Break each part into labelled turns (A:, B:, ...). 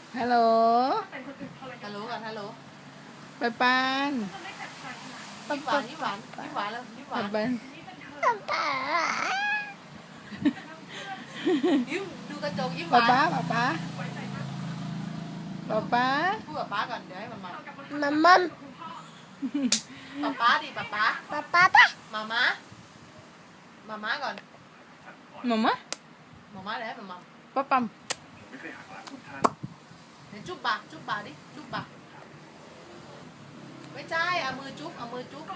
A: ฮัลโหล
B: ฮัลโหลกันฮัลโหล
A: ปานปาน
B: ยิ้มหวานยิ้มหวานยิ้มหวานแล้วยิ้มหวาน
A: ปาน
B: ยิ้มดูกระจกยิ้มห
A: ป๊าว
B: าน
A: ป๊าป๊าป๊าป๊า
B: พูดกับป๊าก่อนเดี๋ยวให้มันมา
C: มัมมัม
B: ป๊าดิป๊า
C: ป๊าป๊าป๊า
B: มาม้ามาม้าก่อน
A: มามา
B: มาม้าเดี๋ยวให้มันมา
A: ป๊าปั๊ม
B: เดี๋ยวจุ๊บบาดิจุ๊บบาไม่ใช่เอามือจุ๊บเอามือจุ๊บ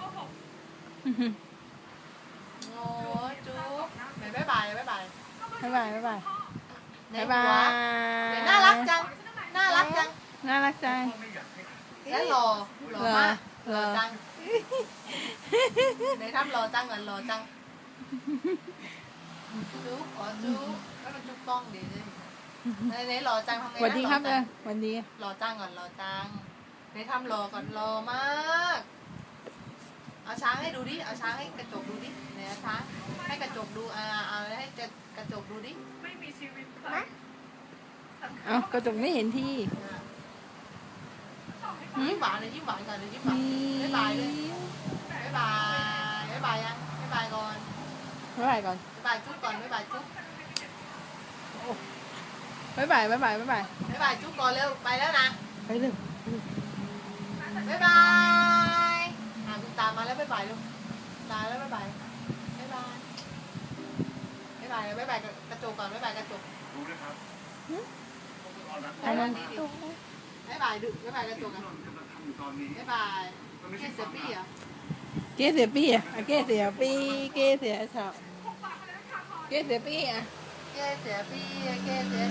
B: โอ้ยจุ๊บไหนบ๊ายบายบ๊ายบาย
A: บ๊ายบายบ๊ายบาย
B: ไหน
A: บ๊าย
B: หั
A: บา
B: วย ไหนน่ารักจังน่ารักจัง
A: น่ารักจัง
B: แล้วหล่อมาก
A: หล่อ
B: จังไหนทำหล่อจังก่อนหล่อจังจุ๊บขอจุ๊บแล้วมันจุ๊บกล้องดีเลยไหนหล่อจังทำไง
A: สวัสดีครับ
B: หล่อ
A: เล
B: จั
A: ย
B: ง
A: สวัสดี
B: หล่อจังก่อนหล่อจังไหนทำหล่อก่อนหล่อมาก เอาช้างให้ดูดิเอาช้างให้กระจกดูดิไหนเอาช้างให้กระจกดูเอาให้กระจกดูดิ
A: เอ้ากระจกไม่เห็นที่
B: ยิ้มหวานเลยยิ้มหวานก่อนเลยยิ้มหวานบ๊ายบายเลยบ๊ายบายบ๊ายบายยังบ๊ายบายก่อน
A: บ๊ายบายก่อน
B: บ๊ายบายจุ๊บก่อนบ๊ายบายจุ๊บ
A: บ๊ายบายบ๊ายบายบ๊ายบาย
B: บ๊ายบายจุ๊บก่อนเร็วไปแล้วนะ
A: ไปเร็ว
B: บ๊ายบายคุณตามาแล้วบ๊ายบายลูกตาแล้วบ๊ายบายบ๊ายบายบ๊ายบายบ๊ายบายกระจกก่อนบ๊ายบายกระจก
A: อันนั้น
B: บ๊ายบายดึกบ๊ายบายกระจกกันบ๊ายบายแค่เซปี้อ่ะ
A: เกเสียปี้อ่ะเกเสียปี้เกเสียชอบเกเสียปี้อ่ะ
B: แค่เสียปี้แค่เสีย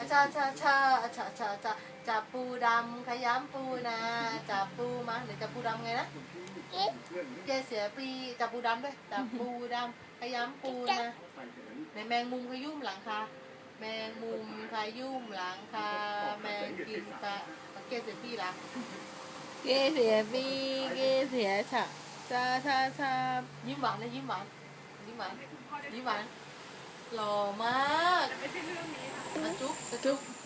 B: จับปูดำขยำปูนะจับปูมาหรือจับปูดำไงนะแค่เสียปี้จับปูดำด้วยจับปูดำขยำปูนะในแมงมุมขยุ่มหลังคาแมงมุมขยุ่มหลังคาแมงกินกะแค่เสียปี้ละ
A: เกเสียปี้เกเสียชอบชาชาชา
B: ยิ้มหวานเลยยิ้มหวานยิ้มหวานยิ้มหวานหล่อมากจุ๊บจุ๊บ